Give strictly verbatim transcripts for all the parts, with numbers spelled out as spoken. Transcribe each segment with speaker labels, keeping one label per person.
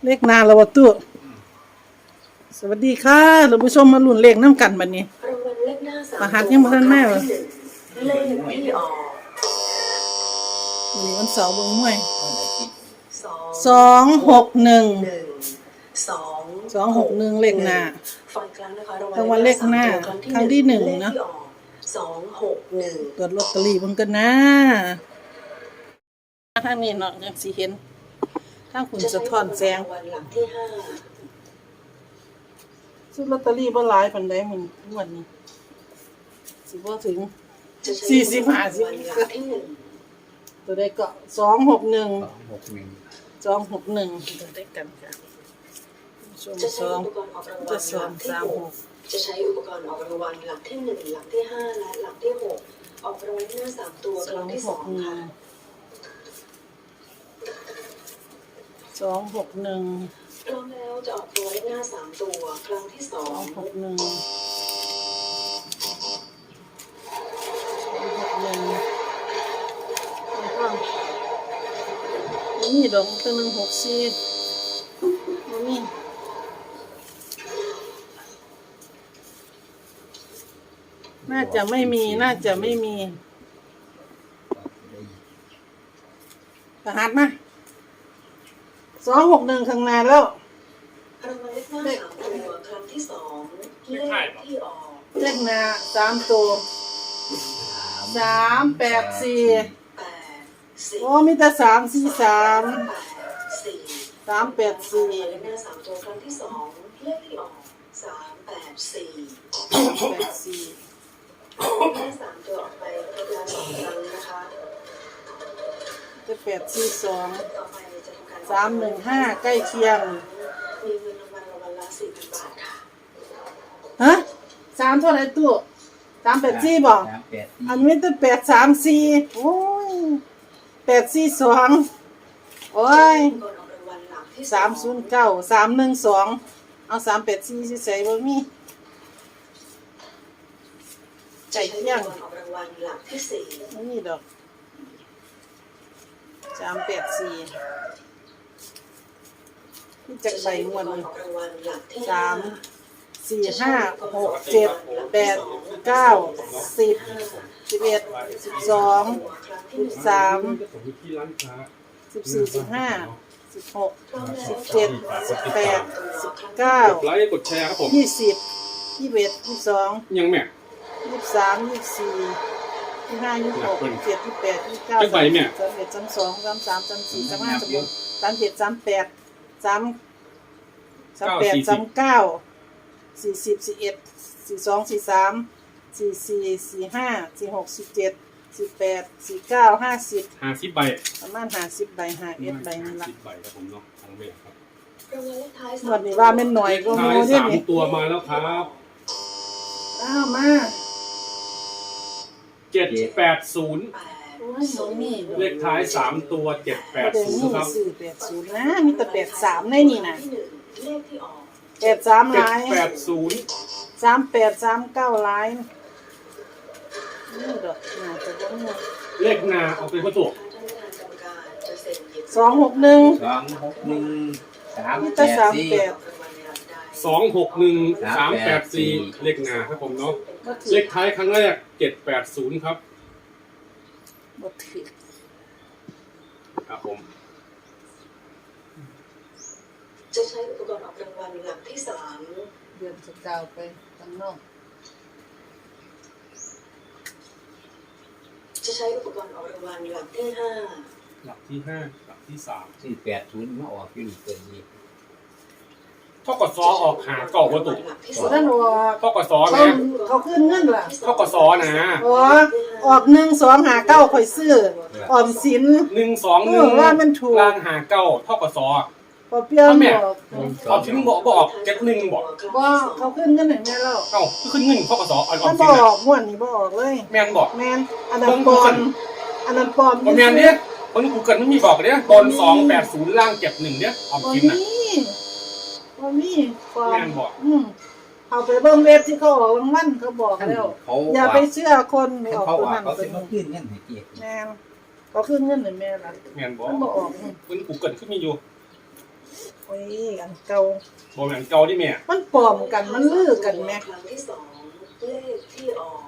Speaker 1: เลขนาละวะตู้สวัสดีค่ะท่านผู้ชมมาลุ้นเลขน้ำกันบัดนี้
Speaker 2: รางวัลเลขหน้าสาม
Speaker 1: รหัสยังบ่ทันมาเหรอ
Speaker 2: เลขที่ออก
Speaker 1: วันนี้วันเสาร์เบิ่งมวย
Speaker 2: สอง
Speaker 1: สองหกหนึ่ง
Speaker 2: หนึ่งสอง
Speaker 1: สองหกหนึ่งเลขหน้า
Speaker 2: ฟังครั้งนะคะ
Speaker 1: รางวัลเลขหน้าครั้งที่หนึ่งนะ
Speaker 2: สองหกหนึ่ง
Speaker 1: ตรวจลอตเตอรี่เบิ่งกันนะทางนี้เนาะจังสิเห็นทางคุณสะท้อนแสง
Speaker 2: รางวัลหลักที่ห้า
Speaker 1: ซื้อลอตเตอรี่บ่หลายปานใดมื้อวันนี้สิบ่ถึงสี่สิบ ห้าสิบตัวใดก็สองหกหนึ่ง
Speaker 3: สองหกหนึ่ง
Speaker 1: สองหกหนึ่งตัวใดกันค่ะชมสองจะสองสามหก
Speaker 2: จะใช้อุปกรณ์ออกรางวัลหลักที่หนึ่งหลักที่ห้าและหลักที่หกออกรางวัลหน้าสามตัวครั้งที่สองค่ะ
Speaker 1: สองหกหนึ่ง
Speaker 2: พร้อมแล้วจะออกรางวัลหน้าสามตัวครั้งที่สอง
Speaker 1: หกหนึ่งหกหนึ่งนี่ดอกตัวหนึ่งหกสี่นี่น่าจะไม่มีน่าจะไม่มีรหัสมาสองหกหนึ่งข้างหน้าแล้ว
Speaker 2: รางวัลเลขหน้าสามตัวครั้งที่สองเลขที่ออก
Speaker 1: เลขหน้าสามตัวสามแปดสี่โอ้มีแต่สามสี่สามสามแปดสี่
Speaker 2: เลขหน้าสามตัวครั้งที่สองเลขที่ออกสามแปดสี่
Speaker 1: แปดสี่
Speaker 2: เลขสามตัวออกไปครบแล้วสองครั้งนะคะ
Speaker 1: จะแปดสี่สอง
Speaker 2: ต่อไปจะทำการ
Speaker 1: สามหนึ่งห้าใกล้เคียง
Speaker 2: มีเงินรางวัลรางวัลละสี่พันบาทค่ะ
Speaker 1: ฮะสามเท่าไหร่ตู้สามแปดสี่บอกอันนี้ตัวแปดสามสี่โอ้ยแปดสี่สองโอ้ยสามศูนย์เก้าสามหนึ่งสองเอาสามแปดสี่สิใส่บ่มีใจเที่ยงไม่มีดอกสามแปดสี่ที่จักใบมวนสามสี่ห้าหกเจ็ดแปดเก้าสิบสิบเอ็ดสิบสองสิบสามสิบสี่สิบห้าสิบหกสิบเจ็ดสิบแปดสิบเก้าก
Speaker 3: ดไลค์กดแชร์ครับผม
Speaker 1: ยี่สิบยี่สิบเอ็ดยี่สิบสอง
Speaker 3: ยังแม่
Speaker 1: ยี่สิบสามยี่สิบสี่ยี่สิบห้ายี่สิบหกยี่สิบเจ็ดยี่สิบแปดยี่สิบเก้าสามสิบเอ็ดสามสองสามสามสามสี่สามห้าสามหกสามเจ็ดสามแปดสามสามแปดสามเก้าสี่สิบสี่เอ็ดสี่สองสี่สามสี่สี่สี่ห้าสี่หกสี่เจ็ดสี่แปดสี่เก้าห้าสิบ
Speaker 3: ห้าสิบใบ
Speaker 1: ประมาณห้าสิบใบห้าเอ็ดใบนี่ละ
Speaker 3: สิบใบครับผมเนาะทั้งเวทครับ
Speaker 1: วันนี้ว่าเป็นหน่อยก็โม
Speaker 3: เนี่ยสามตัวมาแล้วครับ
Speaker 1: อ้าวมา
Speaker 3: เจ็ดแปดศูนย์เลขท้ายสามตัวเจ็ดแปดศูนย์ครับ
Speaker 1: สี่แปดศูนย์นะมีแต่แปดสามในนี่นะแปดสามลาย
Speaker 3: แปดศูนย์
Speaker 1: สามแปดสามเก้าลายนี่ดอกน่าจะบ่มี
Speaker 3: เลขหน้าเอาไปผสม
Speaker 1: สองหกหนึ่ง
Speaker 4: สองหกหนึ่งสาม
Speaker 1: แปดสี่
Speaker 3: สองหกหนึ่งสามแปดสี่เลขหน้าครับผมเนาะเลขท้ายครั้งแรกเจ็ดแปดศูนย์ครับ
Speaker 1: บ่ถูก
Speaker 3: ครับผม
Speaker 2: จะใช้อุปกรณ์ออกรางวัลหลักที่สาม
Speaker 1: เดือนสกาวไปข้างนอก
Speaker 2: จะใช้อุปกรณ์ออกรางวัลหลักที่ห้า
Speaker 3: หลักที่ห้าหลักที่สาม
Speaker 4: สี่แปดศูนย์มาออกอยู่เกินนี้
Speaker 3: เท่ากับซอออกหาเก่าวัตถุ
Speaker 1: ท่านว่า
Speaker 3: เท่ากับซอเนี่ย
Speaker 1: เขาขึ้นเงินล่ะ
Speaker 3: เท่ากับซอนะ
Speaker 1: อ๋อออกหนึ่งสองหาเก้าข่อยซื้อออมสิน
Speaker 3: หนึ่งสองหนึ่ง
Speaker 1: ว่ามันถูก
Speaker 3: ล่างหาเก้าเท่ากับซอ
Speaker 1: พอเปรี้ยวบอก
Speaker 3: เอาทิ้งบอกบอกเจ็ดหนึ่งบอก
Speaker 1: ว่าเขาขึ้นเงินไหนแม่เล่า
Speaker 3: เอ้าขึ้นเงินเท่ากับซอเอาออม
Speaker 1: สินบอกม้วนนี่บอกเลย
Speaker 3: แมนบอก
Speaker 1: แมนอันนั้นปอนอันนั้นปอน
Speaker 3: แมนเนี่ยคนกูเกิดไม่มีบอกเนี่ยบอลสองแปดศูนย์ล่างเจ็ดหนึ่งเนี่ยออมสินอ่ะ
Speaker 1: ว่ามีความอืมเอาไปเบิ่งเว็บที่เขาออกรางวัลเขาบอกแล้วอย่าไปเชื่อคนไม่ออกตัวนั้น
Speaker 4: เขาสิมาขึ้นเงินให้เกียรติ
Speaker 1: แม่นเขาขึ้นเงินให้แม่ล่ะ
Speaker 3: แม่นบ่
Speaker 1: มันบ่ออก
Speaker 3: เพิ่นกูเกิดขึ้นมีอยู่
Speaker 1: ออ้ยอันเก่า
Speaker 3: โมเมนเก่าที่แม่
Speaker 1: มันปลอมกันมันลือกันแม่
Speaker 2: ครั้งที่สองเลขที่ออก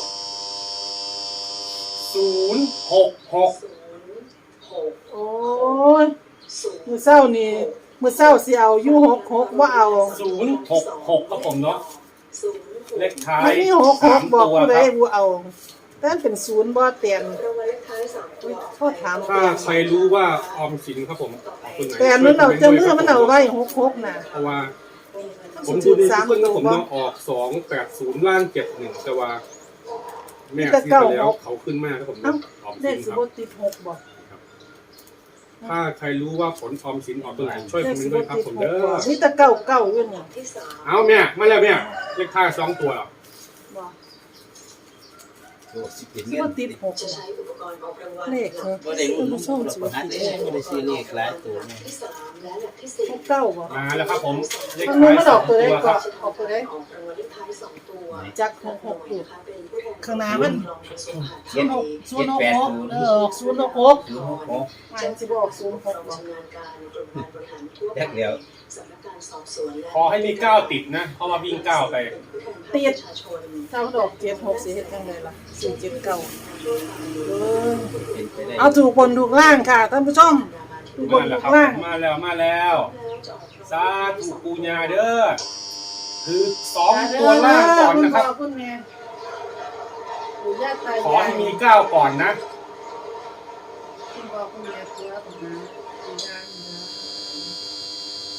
Speaker 3: ศูนย์หกหก
Speaker 2: ศูนย์หก
Speaker 1: โอ้ย
Speaker 2: ศูนย์
Speaker 1: มื้อเช้านี่มื้อเช้าสิเอาอยู่หกหกบ่เอา
Speaker 3: ศูนย์หกหกครับผมเนาะ
Speaker 2: ศูนย์หก
Speaker 3: เลขท้าย
Speaker 1: มันมีหกห
Speaker 3: สาก ม
Speaker 1: บอก
Speaker 3: ตัว
Speaker 1: ผู้
Speaker 3: ค
Speaker 1: ใด
Speaker 3: รับ
Speaker 1: บ่เอาแต่มันเป็นศูนย์บ่เตียน
Speaker 2: รางวัลเลขท้ายสามตัว
Speaker 1: โทษถาม
Speaker 3: ถ้าใครรู้ว่าออมสินครับผมคนไหน
Speaker 1: แต่มันเอาเจ้ามือมันเอาไว้หกหกน่ะ
Speaker 3: เพราะว่าผ
Speaker 1: สิ
Speaker 3: ม
Speaker 1: ถื
Speaker 3: ดู
Speaker 1: อ
Speaker 3: ดี
Speaker 1: สาม
Speaker 3: เพิ่ง
Speaker 1: ตั
Speaker 3: นะ
Speaker 1: ว
Speaker 3: ผม
Speaker 1: บ่
Speaker 3: เนาะออกสองแปดศูนย์ล่างเจ็ดหนึ่งแต่ว่าแม่ซื้อไปแล้วเขาขึ้นมากครับผมเนาะออม
Speaker 1: เล
Speaker 3: สิ
Speaker 1: ข
Speaker 3: น
Speaker 1: สิ
Speaker 3: ครับ
Speaker 1: บ่ติดหกบ่
Speaker 3: ถ้าใครรู้ว่าผลออมสินออกตัวไหนช่วย
Speaker 1: เล
Speaker 3: คอ
Speaker 1: ข
Speaker 3: มเม
Speaker 1: สิ
Speaker 3: นต์ด้
Speaker 1: บ่
Speaker 3: วยครับ
Speaker 1: ติด
Speaker 3: ผม
Speaker 1: หก
Speaker 3: เด้อ
Speaker 1: บ่มีแต่เก้าเก้าอยู่นี่
Speaker 2: ที่สาม
Speaker 3: เอาแม่มาแล้วแม่เลขท้ายสองตัวหรอ
Speaker 1: บ่
Speaker 4: ตัวสิเป็น
Speaker 1: สิ
Speaker 4: เงิ
Speaker 1: บ่
Speaker 4: น
Speaker 1: ติดหก
Speaker 2: จะ
Speaker 1: บ่
Speaker 2: ใช้อุปกรณ์ออกรางวัล
Speaker 1: เลขเหรอ
Speaker 4: บ่ได้รุ่นเราประหัดเองบ่ได้ซื้อเลขหลายตัว
Speaker 2: หลั
Speaker 4: แม่
Speaker 2: กที่สามและหลักที่สี่
Speaker 1: หกเก้าบ่
Speaker 3: มาแล้วครับผมเลข
Speaker 1: มันนู้
Speaker 3: ท้าน ย
Speaker 1: มัน
Speaker 3: ส
Speaker 1: อ
Speaker 3: อ
Speaker 1: อง กตัว
Speaker 3: ตั
Speaker 1: ได้
Speaker 3: วค
Speaker 1: ก็
Speaker 3: รับ
Speaker 2: ออกรางวัลเลขท้ายสองตัว
Speaker 1: จักหกหกอยู่ ข้างหน้ามัน
Speaker 4: เจ็ด
Speaker 1: ศูนย์หก
Speaker 4: แปด
Speaker 1: หก
Speaker 4: ศูนย์
Speaker 1: เออออกศูนย์หกหก
Speaker 4: ศูนย์หกหก
Speaker 1: มันสิบ่ออกศูนย์หกบ่
Speaker 2: ชำนาญการกรมการบริหารทั่ว
Speaker 4: แยกเดียว
Speaker 2: สำนักงานสอบสวนและ
Speaker 3: ขอให้มีเก้าติดนะเพราะว่าวิ่งเก้าไป
Speaker 1: ติด
Speaker 2: ประชาชน
Speaker 1: ถ้ามันออกเจ็ดหกสิเฮ็ดจังไดล่ะสี่เจ็ดเก้าเออ
Speaker 4: เป็นไปได้
Speaker 1: เอาถูกบนถูกล่างค่ะท่านผู้ชมถูกบ
Speaker 3: มาน แล้
Speaker 1: ถู
Speaker 3: วครับ
Speaker 1: กล่าง
Speaker 3: มาแล้วมาแล้วสาธุปูญาเด้อคือสองตัวล่างก่อนนะครับ
Speaker 1: ณพ่คุณแม่ปู่ย่าตายาย
Speaker 3: ขอให้มีเก้าก่อนนะ
Speaker 1: คุณพ่อคุณแม่เพื่อคุณนะปู่ย่าเนื้อ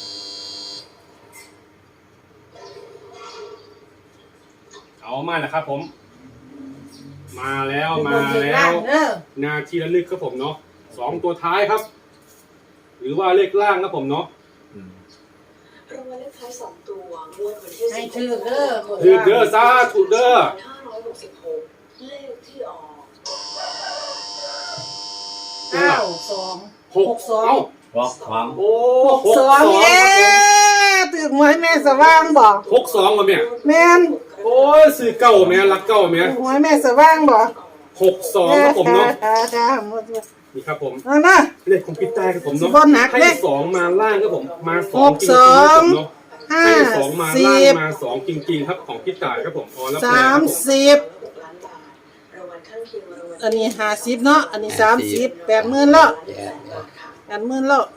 Speaker 3: เอามาแล้วครับผม มาแล้ว
Speaker 1: ถูกบ
Speaker 3: มาน
Speaker 1: ถูก
Speaker 3: แล้
Speaker 1: ล่าง
Speaker 3: ว
Speaker 1: เด้อ
Speaker 3: นาทีละลึกครับผมเนาะสองตัวท้ายครับ หรือว่าเลขล่างครับผมเนาะ
Speaker 4: อืม
Speaker 2: รางวัลเลขท้ายสองตัวงวดวันที่
Speaker 1: ให้
Speaker 2: สิบ
Speaker 1: ถือเด้อ
Speaker 3: ถือเด้อซาถูกเด้อ
Speaker 2: ห้าร้อยหกสิบหกเลขที่ออก
Speaker 1: เก้าสอง
Speaker 3: หก
Speaker 1: สอง
Speaker 3: เอ้า
Speaker 4: บอกของ
Speaker 3: โอ้
Speaker 1: หกสองเย้ตื่นหวยแม่สว่างบอก
Speaker 3: หกสองวะแม่
Speaker 1: แม่น
Speaker 3: โอ้ยซื้อเก้าแม่รักเก้าแม่
Speaker 1: ตื่นหวยแม่สว่างบอก
Speaker 3: หกสองครับผมเนาะ
Speaker 1: ค่ะค่ะหมดเลย
Speaker 3: นี่ครับผม
Speaker 1: เอานะ
Speaker 3: เลขของพี่ใต้ครับผมเนาะ
Speaker 1: สิบหนัก
Speaker 3: ให้
Speaker 1: เลข
Speaker 3: สองมาล่างครับผมมาสอ
Speaker 1: ห
Speaker 3: ง
Speaker 1: ก
Speaker 3: จริ
Speaker 1: ส
Speaker 3: ง
Speaker 1: อ
Speaker 3: ๆครับ
Speaker 1: ง
Speaker 3: ผมเนาะ
Speaker 1: ห้า
Speaker 3: ให้สองมา
Speaker 1: สิ
Speaker 3: ล่าง
Speaker 1: บ
Speaker 3: มาสองจริงๆครับของพี่ต่ายครับผมอ๋อแล้วแปล
Speaker 1: สาม
Speaker 3: ครับผม
Speaker 1: สิบ
Speaker 2: หกล้านบาทรางวัลข้างเคียงรางวัล
Speaker 1: อันนี้ห้าสิบเนาะอันนี้สามสิบแปดหมื่นแล้ว
Speaker 2: แปดบาทค่ะ
Speaker 1: แปดหมื่นแล้ว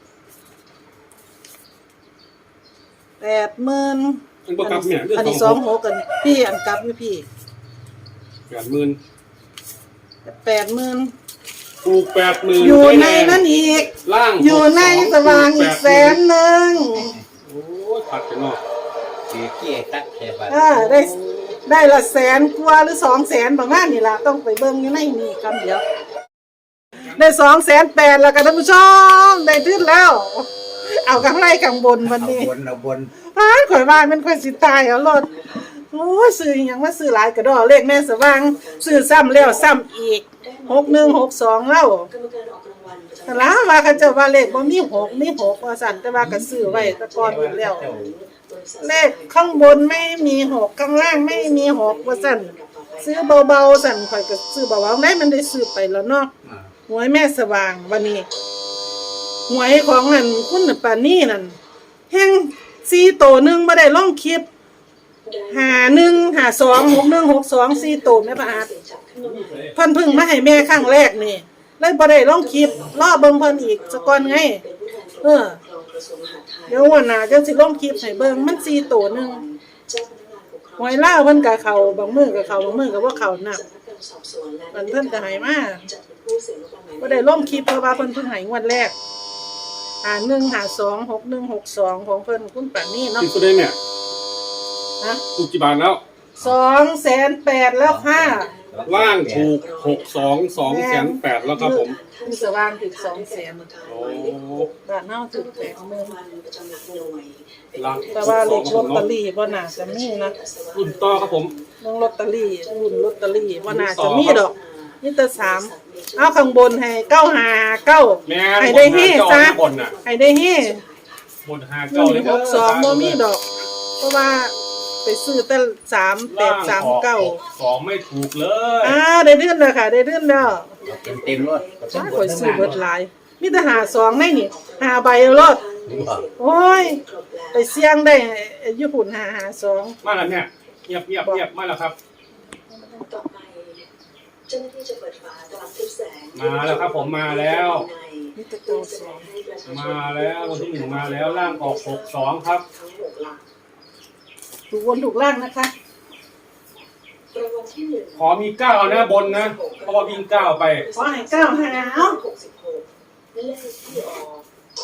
Speaker 1: แปดหมื่น
Speaker 3: อันประกับเนี่ยเรื่อง
Speaker 1: อันนี้
Speaker 3: ส
Speaker 1: ส
Speaker 3: อ
Speaker 1: อง ง
Speaker 3: ห
Speaker 1: ห
Speaker 3: ก
Speaker 1: กกันพี่อันกลับอยู่พี่
Speaker 3: แปดหมื่น
Speaker 1: แปดหมื่น
Speaker 3: ถูกแปดหมื่น
Speaker 1: อยู่ในนั้นอีก
Speaker 3: ล่าง
Speaker 1: อยู่ในสว่างอีกแสนหนึ่ง
Speaker 3: โอ้ยผัดกันเนาะ
Speaker 4: คือเกี้ยตักแค่บาท
Speaker 1: อ่าได้ได้ละแสนกว่าหรือสองแสนประมาณนี้ล่ะต้องไปเบิ่งอยู่ในนี่กันเดี๋ยว ได้สองแสนแปดแล้วกันท่านผู้ชมได้ทึ้นแล้ว เอากำไรข้างบนวัน
Speaker 4: เอา
Speaker 1: นี้
Speaker 4: บนเอาบน
Speaker 1: พานข่อยบ้านมันค่อยสิตายเอารถโอ้ยซื้ออหยังมาซื้อหลายกระดอเลขแม่สว่างซื้อซ้ำแล้วซ้ำอีกหกหนึ่งหกสองแล้ว
Speaker 2: กรรมการออกรางวัลประจำ
Speaker 1: แต่ละว่าเขาเจ้าว่าเลขบ่มีหกมีหกว่าสั่นแต่ว่าก็ซื้อไว้แตะกอนอยู่แล้ว เลขข้างบนไม่มีหกข้างล่างไม่มีหกว่าสั่นซื้อเบาๆสั่นข่อยก็ซื้อเบาๆได้มันได้ซื้อไปแล้วเนาะ
Speaker 4: อ่า
Speaker 1: หวยแม่สว่างวันนี้หวยของนั่นคุณน่ะปานนี่นั่นแห่งสี่โตวหนึงบ่ได้ลงคลิปหาหนึ่งหาสองหกหนึ่งหกสองสี่โตวแม่ประอาดเพิ่นเพึ่งมาให้แม่ครั้งแรกนี่เลยบ่ได้ลงคลิปรอเบิ่งเพิ่นอีกซะก่อนไง เออ เดี๋ยววันหน้าจังสิลงคลิปให้เบิ่งมันสี่โตวหนึงหวยลาวเพิ่นก็เข้าบางมื้อก็เข้าบางมื้อก็บ่เข้านักมันเพิ่นก็ให้มาบ่ได้ลงคลิปเพราะว่าเพิ่นเพิ่งให้งวดแรกหาหนึ่งหาสองหกหนึ่งหกสองของเพิ่นคุณปานนี่เนาะ
Speaker 3: ที่สุดเลยเนี่ย
Speaker 1: ฮะ
Speaker 3: ถูกกี่บาทแล้ว
Speaker 1: สองแสนแปดแล้วค่ะ
Speaker 3: ล่างถูกหกสองสองแสนแปดแล้วครับผม
Speaker 1: มีสว่างถึงสองแสน
Speaker 3: โอ้
Speaker 1: บาทเน่าถึงแปดหมื่น
Speaker 3: ล่าง
Speaker 1: แต่ว่าเลขลอตเตอรี่บ่น่าจะมีนะ
Speaker 3: รุ่นต่อครับผม
Speaker 1: เรื่องลอตเตอรี่รุ่นลอตเตอรี่บ่น่าจะมีดอกนี่แต่สามเอาข้างบนให้เก้าหาเก้า
Speaker 3: แม่
Speaker 1: ให้ได้เฮ่
Speaker 3: บน
Speaker 1: ซะ
Speaker 3: หาเก้าบนน่ะ
Speaker 1: ให้ได้เฮ่
Speaker 3: บนหา
Speaker 1: ห
Speaker 3: เก้า
Speaker 1: นึ่
Speaker 3: เลย
Speaker 1: งหกสองบ่มีดอก เพราะว่าไปซื้อแต่สามแปดสามเก้า
Speaker 3: สองไม่ถูกเลย
Speaker 1: อ่าได้เดือนแล้วค่ะ ได้เดือนแล้ว
Speaker 4: เต็มเต็มๆรถ
Speaker 1: จ้าข่อยซื้อเบิดหลายมีแต่หาสองในนี่หาใบรถโอ้ยไปเสี่ยงได้ญี่ปุ่นหาหาสอง
Speaker 3: มาแล้วเนี่ยเงียบเงียบเงียบมาแล้วครับ
Speaker 2: ต่อไปเจ้าหน้าที่จะเปิดฝาตลับทึบแสง
Speaker 3: มาแล้วครับผมมาแล้ว
Speaker 1: นี่ตะโก
Speaker 2: เพื่อน แส
Speaker 1: ส
Speaker 2: ด
Speaker 1: อง ง
Speaker 2: ให้ประชาชน
Speaker 3: มาแล้ววันที่หนึ่งมาแล้วร่างออกหกสองครับ
Speaker 2: ทั้งหกหลัก
Speaker 1: ถูกวนถูกล่างนะคะ
Speaker 2: รางวัลที่หนึ่ง
Speaker 3: ขอมีเก้านะบนนะเพราะว่าวิ่งเก้าไป
Speaker 1: ขอให้เก้าหาเอา
Speaker 2: หกสิบหกเลขที่ออก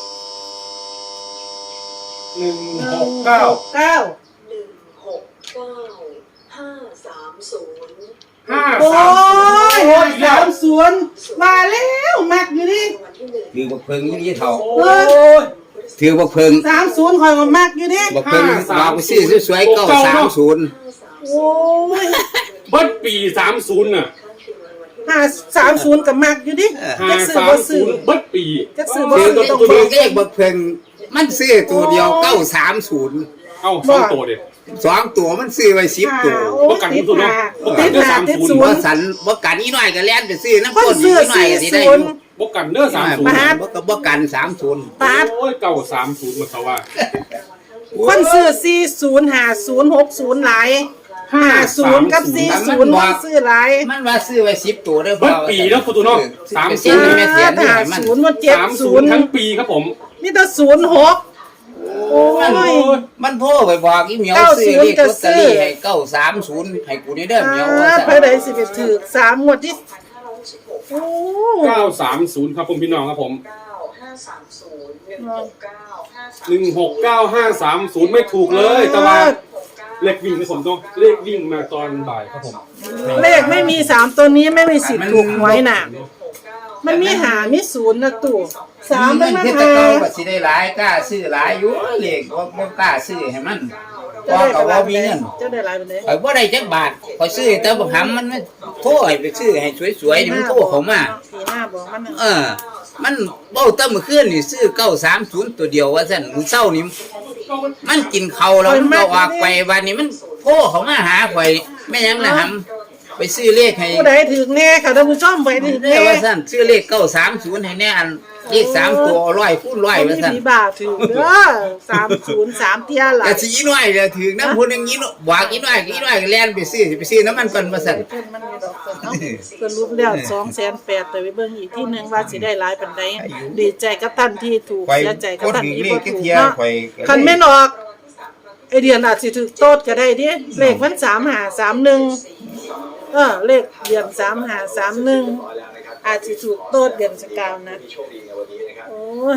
Speaker 3: หนึ่ง
Speaker 1: หนึ่
Speaker 3: ห
Speaker 1: ง
Speaker 3: กเก้า
Speaker 1: หกเก้า
Speaker 2: หนึ่งหกเก้าห้าสามศูนย์
Speaker 3: ห้า
Speaker 1: โอ้
Speaker 3: สาม
Speaker 1: ยหกสามศูนย์มาแล้วมักอยู่ดิ
Speaker 2: รางวัลที่หนึ่ง
Speaker 4: ถือบักเพิงยี่เท่า
Speaker 3: โอ้ย
Speaker 4: ถือบักเพิง
Speaker 1: สามศูนย์คอยมามักอยู่ดิ
Speaker 4: บักเพิงเราไปซื้อสวยๆเก้าสามศูนย์
Speaker 2: ห้าสาม
Speaker 1: โอ้ย
Speaker 3: เบิดปีสามศูนย์น่ะ
Speaker 2: ข้างเคียงรางวัลที่หนึ่ง
Speaker 1: ห้าสามศูนย์กับมักอยู่ดิ
Speaker 3: ห้า
Speaker 1: จะซื้อ
Speaker 3: สาม
Speaker 1: บ่
Speaker 3: ศู
Speaker 1: ซื้อน
Speaker 3: ย์เบิดปี
Speaker 1: จะซื้อบ่
Speaker 4: ถือ
Speaker 1: ซื้อ
Speaker 4: บัก
Speaker 1: ต้อง
Speaker 4: เพิ
Speaker 1: เบิ่
Speaker 4: ง
Speaker 1: ง
Speaker 4: เลขบักเพิงมันซื้อตัวเดียวเก้าสามศูนย์
Speaker 3: เอ้าสองตัวเด็ด
Speaker 4: สองตัวมันซื้อไว้สิบตัว
Speaker 1: โอ้ยติดหาติดหาติดศูน
Speaker 4: บ่
Speaker 1: ย์
Speaker 4: สันบ่กันอีน้อยก็แล่นไปซื้อน้ำ
Speaker 1: คน
Speaker 4: ก้นอี
Speaker 1: ซื้อ
Speaker 4: น้อย
Speaker 1: สี่
Speaker 4: ก็สิได้
Speaker 1: ศู
Speaker 4: อน
Speaker 1: ย์
Speaker 4: ยู่
Speaker 3: บกกันเด้อสามศูนย์
Speaker 4: บ่ก็บ่กันสามศูนย์
Speaker 1: ปาด
Speaker 3: โอ้ยเก้าสามศูนย์มาเขาว่า
Speaker 1: คนซื้อสี่ศูนย์ห้าศูนย์หกศูนย์หลายห้าศูนย์กับสี่ศูนย์มันซื้อหลาย
Speaker 4: มันว่าซื้อไว้สิบตัวเด้อ
Speaker 3: เบิดปีแล้วคุณตัวน้องสาม
Speaker 4: ไป
Speaker 3: ศู
Speaker 4: ซื้อน
Speaker 3: ย์
Speaker 4: แม่เสียนนี่
Speaker 1: ห้า
Speaker 4: ให้มัน
Speaker 1: ศูนย์มันเจ็ด
Speaker 3: สาม
Speaker 1: ศู
Speaker 3: ศู
Speaker 1: น
Speaker 3: น
Speaker 1: ย์
Speaker 3: ย์ทั้งปีครับผม
Speaker 1: นี่แต่ศูนย์หกโอ้
Speaker 4: มัน
Speaker 1: ย
Speaker 4: มันโทรไปบอกอีเหมียว
Speaker 1: เก้า
Speaker 4: ซื้อ
Speaker 1: ศูนย์
Speaker 4: เลข
Speaker 1: ก็
Speaker 4: ลอตเตอ
Speaker 1: ซื้อ
Speaker 4: รี่ให้เก้าสามศูนย์ให้กูนี่เด้อเหมียวว่า
Speaker 1: อ่า
Speaker 4: ซั่น
Speaker 1: ไปไหนสิไปถือสามงวดที่โอ้
Speaker 3: เก้าสามศูนย์ครับผมพี่น้องครับผม
Speaker 2: เก้าห้าสามศูนย์หนึ่งหกเก้าห้าสาม
Speaker 3: หนึ่งหกเก้าห้าสามศูนย์ไม่ถูกเลยแต่ว่าเลขวิ่งที่ผมต้องเลขวิ่งมาตอนบ่ายครับผม
Speaker 1: เลขไม่มีสามตัวนี้ไม่มีสิทธิ์ถูกหวยน่ะ มันมีหามีศูนย์นะตู่สาม
Speaker 4: มั
Speaker 1: มัน
Speaker 4: น
Speaker 1: มา
Speaker 4: เฮ็ด
Speaker 1: หา
Speaker 4: แต่เก่าก็สิได้หลายกล้าซื้อหลายอยู่เลขบ่บ่กล้าซื้อให้มันเพ
Speaker 1: เจ้า
Speaker 4: ราะ
Speaker 1: ได้
Speaker 4: ก็
Speaker 1: ไป
Speaker 4: บ่
Speaker 1: หลาย
Speaker 4: มีเงิน
Speaker 1: เจ้าได้หลายไปเลย
Speaker 4: ข่อยบ่ได้จักบาทข่อยซื้อแต่บ่หำมันมันโทรให้ไปซื้อให้สวยๆนี่มันโทรเข้ามา
Speaker 1: สี่ห้าบอกมัน
Speaker 4: เออ มันเบ้าแตั้งเมื่อคืนนี่ซื้อเก้าสามศูนย์ตัวเดียวว่าซั่นมื้อเช้านี่มันกินข้าวแล้วมันก็ออกไปวันนี้มันโทรเข้ามาหาข่อยแม่ยังนะหำไปซื้อเลขให้
Speaker 1: ผู้ใดถือแน่ค่ะท่านผู้ชมไปถือ
Speaker 4: ได้
Speaker 1: แน่
Speaker 4: ว่าซั่นซื้อเลขเก้าสามศูนย์ให้แน่อันเลขสามตัวร้อยคูณร้อย
Speaker 1: มี
Speaker 4: ว่าซั่น
Speaker 1: ผีบาถือเด้อสามศูนย์สามเทียหลา
Speaker 4: แต่
Speaker 1: ย
Speaker 4: สิอีน้อยเด้อถึงน้ำพุ่นอย่างนี้เนาะบอกอีน้อยอีน้อยก็แล่นไปซื้อสิไปซื้อน้ำมันก่อนว่าซั่น
Speaker 1: เพิ่นมันมีดอกเนาะสรุปแล้วสองแสนแปดแต่ไปเบิ่งอีกที่หนึ่งว่าสิได้หลายปานใดดีใจกับท่านที่ถูกเสียใจกับท่านที่บ่ถูกเนาะคันแม่นออกไอเดียนอาจสิถูกโตดก็ได้ดิเลขมันสามห้าสามหนึ่งเออเลขเดือนสามห้าสามหนึ่งอาจสิถูกโตดเดือนสกาวนะโอ้ย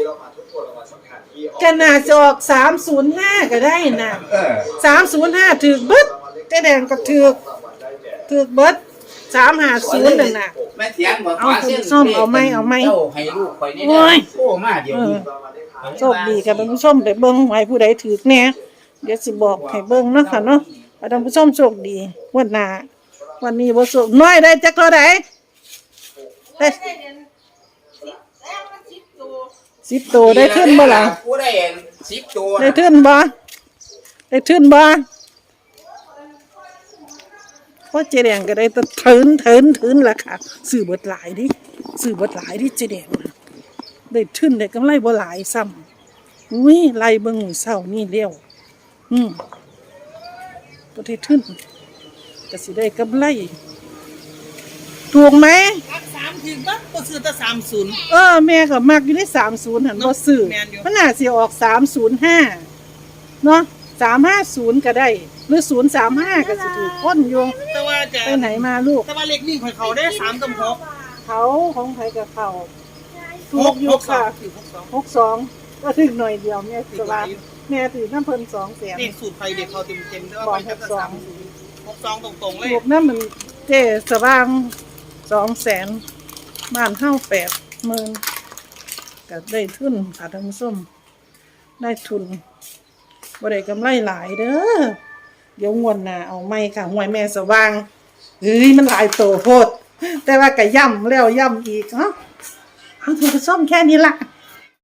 Speaker 1: ก็น่าจะออกสามศูนย์ห้าก็ได้นะ
Speaker 4: เออ
Speaker 1: สามศูนย์ห้าถือเบิดเจ๊แดงก็ถือถือเบิดสามห้าศูนย์นั่นน่ะ
Speaker 4: แม่เสียงบอก
Speaker 1: เอา
Speaker 4: ว่าเส้น
Speaker 1: ส้มเอาไหมเอาไหม
Speaker 4: เจ้าให้ลูกข่อยนี่
Speaker 1: โอ้
Speaker 4: แน่
Speaker 1: ย
Speaker 4: โอ้มาเดี๋ยว
Speaker 1: เออ
Speaker 4: นี้
Speaker 1: โชคดีกับท่านผู้ชมไปเบิ่งไว้ผู้ใดถือแน่เดี๋ยวสิบอกให้เบิ่งเนาะค่ะเนาะให้ท่านผู้ชมโชคดีงวันหน้าวันนี้บ่โชคน้อยได้จักเท่าใดได้สิบตัวได้ขึ้นบ่ล่ะ
Speaker 4: กูได้สิบตัว
Speaker 1: ได้ขึ้นบ่ได้ขึ้นบ่เพราะเจแดงก็ได้แตะเถินเถินเถินล่ะค่ะซื้อเบิดหลายดิซื้อเบิดหลายดิเจแดงน่ะได้ขึ้นได้กำไรบ่หลายซ้ำอุ้ยไล่เบิ่งมื้อเช้านี่เร็วอืมก็ได้ขึ้นก็สิได้กำไรถูกไหม
Speaker 5: สามถึงบ้างก็ซื้อแต่สามศูนย์
Speaker 1: เออแม่ก็มักอยู่ในสามศูนย์หันบ่ซื้อ
Speaker 5: แม่นอยู่
Speaker 1: มันน่าสิออกสามศูนย์ห้าเนาะสามห้าศูนย์ก็ได้ หรือศูนย์สามห้าก็สิถูกพ้นอยู่
Speaker 5: แต่ว่าจะ
Speaker 1: ไปไหนมาลูก
Speaker 5: แต่ว่าเล็กวิ่งของเขาได้สามกับหก
Speaker 1: เขาของไผกับเขาถูกอยู่ค่ะ
Speaker 5: ถือหกสอง
Speaker 1: หกสองก็ถึงหน่อยเดียวแม่ถือว่าแม่ถือน้ำเพิ่นสองแสน
Speaker 5: เด็กสูตรไฟเด็กเขาเต็มเต็มๆแต่ว่า
Speaker 1: บอก
Speaker 5: ไปกับ
Speaker 1: หกสอง
Speaker 5: สามหกสองตรงๆเลย
Speaker 1: ถูกน้ำมันเจสว่างสองแสนบ้านเฮาแปดหมื่นก็ได้ทุนค่ะท่านผู้ชมได้ทุนบ่ได้กำไรหลายเด้อเดี๋ยวงวดหน้าเอาไม่ค่ะหวยแม่สว่างเฮ้ยมันหลายโตโพดแต่ว่าก็ย่ำแล้วย่ำอีกเนาะเอาท่านผู้ชมแค่นี้ล่ะ